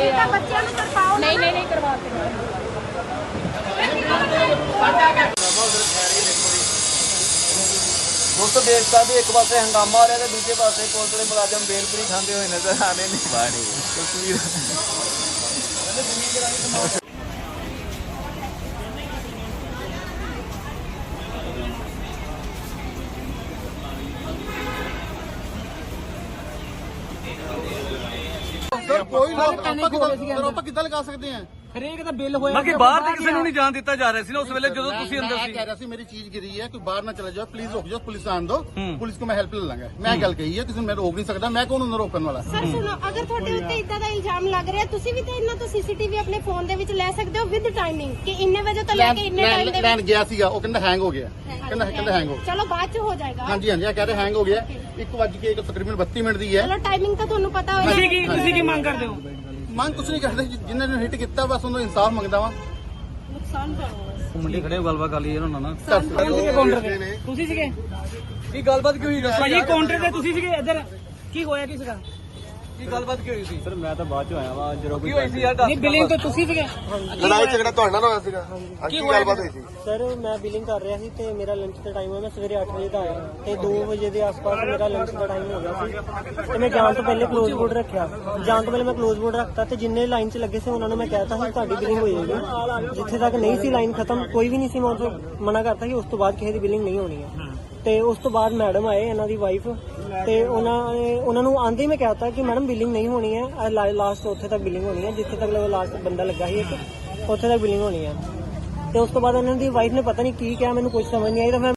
ਕਰਦੇ ਆ। ਬੱਚਿਆਂ ਨੂੰ ਕਰਵਾਓ। ਨਹੀਂ ਕਰਵਾਤੇ। ਦੋਸਤੋ ਦੇਖ ਸਕਦੇ ਇੱਕ ਪਾਸੇ ਹੰਗਾਮਾ ਹੋ ਰਿਹਾ ਤੇ ਦੂਜੇ ਪਾਸੇ ਪੁਲਿਸ ਦੇ ਮੁਲਾਜ਼ਮ ਬੇਲਪੁਰੀ ਖਾਂਦੇ ਹੋਏ ਨਜ਼ਰ ਆ ਰਹੇ ਨੇ। ਬਾੜੀ ਤਸਵੀਰ सर कोई ਆਪਾਂ ਕਿੱਦਾਂ ਲਗਾ ਸਕਦੇ ਆ? ਹਰੇਕ ਦਾ ਬਿੱਲ ਹੋਇਆ ਬਾਕੀ ਬਾਹਰ ਤੇ ਕਿਸੇ ਨੂੰ ਨਹੀਂ ਜਾਣ ਦਿੱਤਾ ਜਾ ਰਿਹਾ ਸੀ ਨਾ ਉਸ ਵੇਲੇ ਜਦੋਂ ਤੁਸੀਂ ਅੰਦਰ ਸੀ। ਕਹਿ ਰਿਹਾ ਸੀ ਮੇਰੀ ਚੀਜ਼ ਗਿਰੀ ਹੈ, ਕੋਈ ਬਾਹਰ ਨਾ ਚਲਾ ਜਾਓ, ਪਲੀਜ਼ ਰੁਕ ਜਾਓ, ਪੁਲਿਸ ਆਣ ਦੋ, ਪੁਲਿਸ को मैं हेल्प ले लांगा। मैं ਗੱਲ ਕਹੀ ਹੈ, ਕਿਸੇ ਨੂੰ ਮੈਂ ਰੋਕ ਨਹੀਂ ਸਕਦਾ, ਮੈਂ ਕੌਣ ਉਹਨੂੰ ਰੋਕਣ ਵਾਲਾ। ਸਰ ਸੁਣੋ, ਅਗਰ ਤੁਹਾਡੇ ਉੱਤੇ ਇਦਾਂ ਦਾ ਇਲਜ਼ਾਮ ਲੱਗ ਰਿਹਾ, ਤੁਸੀਂ ਵੀ ਤਾਂ ਇਹਨਾਂ ਤੋਂ ਸੀਸੀਟੀਵੀ ਆਪਣੇ ਫੋਨ ਦੇ ਵਿੱਚ ਲੈ ਸਕਦੇ ਹੋ ਵਿਦ ਟਾਈਮਿੰਗ ਕਿ ਇੰਨੇ ਵਜੇ ਤੋਂ ਲੈ ਕੇ ਇੰਨੇ ਟਾਈਮ ਦੇ ਲੈਣ ਗਿਆ ਸੀਗਾ, ਉਹ ਕਹਿੰਦਾ ਹੈਂਗ ਹੋ ਗਿਆ, ਕਹਿੰਦਾ ਹੈਂਗ ਹੋ ਗਿਆ। ਚਲੋ ਬਾਅਦ ਚ ਹੋ ਜਾਏਗਾ। ਹਾਂਜੀ ਇਹ ਕਹਿ ਰਹੇ ਹੈਂਗ ਹੋ ਗਿਆ। 1:01 ਤਕਰੀਬਨ 32 ਮਿੰਟ ਦੀ ਹੈ। ਚਲੋ ਟਾਈਮਿੰਗ ਤਾਂ ਤੁਹਾਨੂੰ ਪਤਾ ਹੋਏਗਾ। ਤੁਸੀਂ ਕੀ ਮੰਗ ਕਰਦੇ ਹੋ? ਮੰਗ ਕੁਛ ਨਹੀਂ ਕਰਦੇ, ਜਿਨ੍ਹਾਂ ਨੇ ਹਿੱਟ ਕੀਤਾ ਬਸ ਉਹਨੂੰ ਇਨਸਾਫ ਮੰਗਦਾ ਵਾਂ। ਨੁਕਸਾਨ ਪਾਓ। ਮੁੰਡੇ ਖੜੇ ਹੋ ਗੱਲਬਾਤ ਕਰ ਲਈਏ ਉਹਨਾਂ ਨਾਲ। ਤੁਸੀਂ ਸੀਗੇ? ਕੀ ਗੱਲਬਾਤ ਕੀ ਹੋਈ ਭਾਜੀ ਕਾਊਂਟਰ ਤੇ ਤੁਸੀਂ ਸੀਗੇ? ਇੱਧਰ ਕੀ ਹੋਇਆ ਕੀ ਸੀਗਾ? ਕੀ ਗੱਲਬਾਤ ਕੀ ਹੋਈ ਸੀ? ਸਰ ਮੈਂ ਤਾਂ ਬਾਅਦ ਚ ਆਇਆ ਵਾ ਜਦੋਂ ਕੀ ਹੋਈ ਸੀ ਯਾਰ? ਨਹੀਂ ਬਿਲਿੰਗ ਤਾਂ ਤੁਸੀਂ ਸੀਗੇ? ਲੜਾਈ ਝਗੜਾ ਤੁਹਾਡੇ ਨਾਲ ਹੋਇਆ ਸੀਗਾ? ਕੀ ਗੱਲਬਾਤ ਹੋਈ ਸੀ? ਸਰ ਮੈਂ ਬਿਲਿੰਗ ਕਰ ਰਿਹਾ ਸੀ ਤੇ ਮੇਰਾ ਲੰਚ ਦਾ ਟਾਈਮ ਹੋਇਆ। ਮੈਂ ਸਵੇਰੇ 8 ਵਜੇ ਦਾ ਆਇਆ ਤੇ 2 ਵਜੇ ਦੇ ਆਸ-ਪਾਸ ਮੇਰਾ ਲੰਚ ਦਾ ਟਾਈਮ ਹੋ ਗਿਆ ਸੀ ਤੇ ਮੈਂ ਜਾਣ ਤੋਂ ਪਹਿਲੇ ਕਲੋਜ਼ ਬੋਰਡ ਰੱਖਿਆ। ਜਾਣ ਤੋਂ ਪਹਿਲੇ ਮੈਂ ਕਲੋਜ਼ ਬੋਰਡ ਰੱਖਤਾ ਤੇ ਜਿੰਨੇ ਲਾਈਨ 'ਚ ਲੱਗੇ ਸੀ ਉਹਨਾਂ ਨੂੰ ਮੈਂ ਕਹਿਤਾ ਸੀ ਤੁਹਾਡੀ ਬਿਲਿੰਗ ਹੋ ਜਾਏਗੀ। ਜਿੱਥੇ ਤੱਕ ਨਹੀਂ ਸੀ ਲਾਈਨ ਖਤਮ, ਕੋਈ ਵੀ ਨਹੀਂ ਸੀ, ਮੈਂ ਉਹਨਾਂ ਮਨਾ ਕਰਤਾ ਸੀ ਉਸ ਤੋਂ ਬਾਅਦ ਕਿਸੇ ਦੀ ਬਿਲਿੰਗ ਨਹੀਂ ਹੋਣੀ ਹੈ। ਤੇ ਉਸ ਤੋਂ ਬਾਅਦ ਮੈਡਮ ਆਏ, ਇਹਨਾਂ ਦੀ ਵਾਈਫ, ਤੇ ਉਹਨਾਂ ਨੂੰ ਆਂਦੇ ਹੀ ਮੈਂ ਕਹਿਤਾ ਕਿ ਮੈਡਮ ਬਿਲਿੰਗ ਨਹੀਂ ਹੋਣੀ ਹੈ, ਲਾਸਟ ਉੱਥੇ ਤੱਕ ਬਿਲਿੰਗ ਹੋਣੀ ਹੈ, ਜਿੱਥੇ ਤੱਕ ਲਾਸਟ ਬੰਦਾ ਲੱਗਾ ਸੀ ਇੱਕ, ਉੱਥੇ ਤੱਕ ਬਿਲਿੰਗ ਹੋਣੀ ਹੈ। ਤੇ ਉਸ ਤੋਂ ਬਾਅਦ ਉਹਨਾਂ ਦੀ ਵਾਈਫ ਨੇ ਪਤਾ ਨਹੀਂ ਕੀ ਕਿਹਾ, ਮੈਨੂੰ ਕੁਝ ਸਮਝ ਨਹੀਂ ਆਈ। ਤਾਂ ਮੈਂ